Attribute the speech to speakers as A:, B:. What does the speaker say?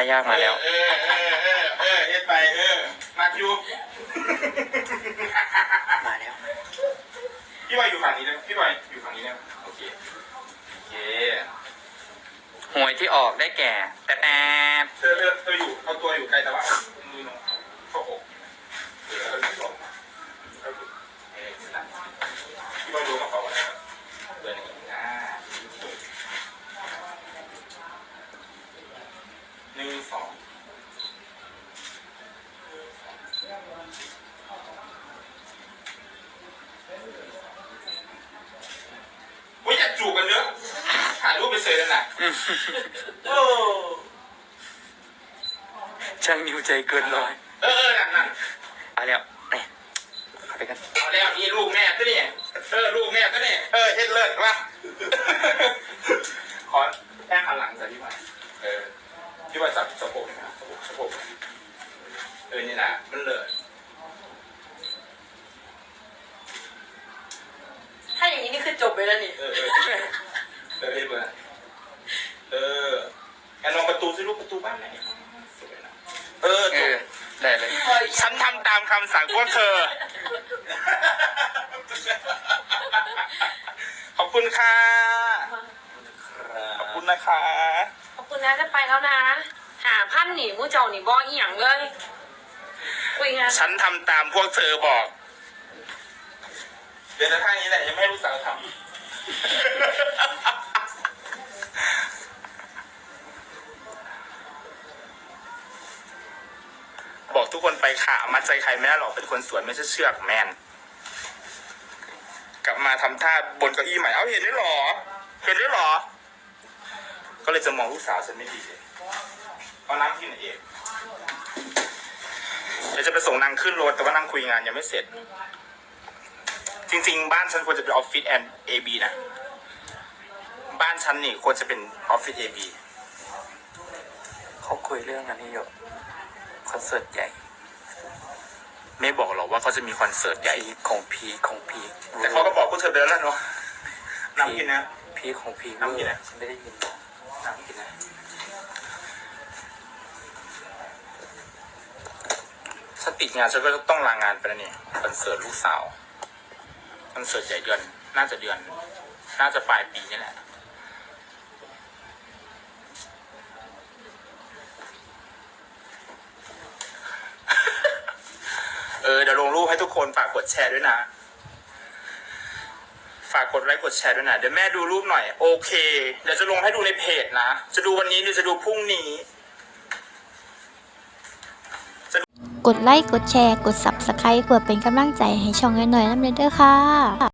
A: ายากมาแล้ว
B: เฮ็ดไปมาอยู่
A: มาแล้ว
B: พี่วายอยู่ฝั่งนี้นะพี่วายอยู่ฝั่งนี้นะโอเค
A: หวยที่ออกได้แก่แต่
B: เธออยู่เอาตัวอยู่ไกลแต่ว่ามือน้องเข้าอกพี่วายดูกับเขาอะไรเดินอย่างนี้1 2ว่าอยากจูบกันเนอะถ่ายรูปไปเฉยแล้วนะโอ้
A: ช่างนิ้วใจเกินร้อย
B: นั่น
A: เอาแล้วนี่เข้าไปกัน
B: เอาแล้วนี่ลูกแม่ก็นี่ลูกแม่ก็นี่เฮ็ดเลิศว่ะขอแค่หันหลังใส่พี่วายพี่วายจับสะโพกนะสะโพกนี่นะมันเลิศ
C: ถ้าอย่างนี้นี่คือจบไปแล้วนี่
B: เฮ็ดเบอร์แอนลองประตูซิลูกประตูบ้านไหน
A: ได้เลย
B: ฉันทำตามคำสั่งพวกเธอขอบคุณค่ะขอบคุณนะคะ
C: ขอบคุณนะจะไปแล้วนะหาพันหนีมู้เจ้าหนีบ่ออีหยังเลยคุยงาน
B: ฉันทำตามพวกเธอบอกเดี๋ยวท่านี้แหละยังไม่ให้ลูกสาวทำบอกทุกคนไปค่ะมัดใจใครไม่ได้หรอกเป็นคนสวนไม่ใช่เชือกแมนกลับมาทำท่าบนเก้าอี้ใหม่เห็นได้หรอก็เลยจะมองลูกสาวฉันไม่ดีเลยเอาน้ำกินเองเดี๋ยวจะไปส่งนางขึ้นรถแต่ว่านางคุยงานยังไม่เสร็จจริงๆบ้านฉันควรจะเป็นออฟฟิศแอนด์เอบีนะบ้านฉันนี่ควรจะเป็นออฟฟิศเอบี
A: เขาคุยเรื่องอันนี้อยู่คอนเสิร์ตใหญ่
B: ไม่บอกหรอกว่าเขาจะมีคอนเสิร์ตใหญ่
A: ของพี
B: แต่เขาก็บอกพวกเธอไปแล้วเนาะน้ำกินนะ
A: พีของพี
B: น้ำกินนะ
A: ฉันไม่ได้ยิน
B: น้ำกินนะฉันติดงานฉันก็ต้องลางานไปแล้วนี่คอนเสิร์ตลูกสาวคอนเสิร์ตใหญ่น่าจะปลายปีนี่แหละเดี๋ยวลงรูปให้ทุกคนฝากกดแชร์ด้วยนะฝากกดไลค์กดแชร์ด้วยนะเดี๋ยวแม่ดูรูปหน่อยโอเคเดี๋ยวจะลงให้ดูในเพจนะจะดูวันนี้หรือจะดูพรุ่งนี้
D: กดไลค์กดแชร์กด Subscribe เพื่อเป็นกำลังใจให้ช่องน้อยๆน้ำเด้อค่ะ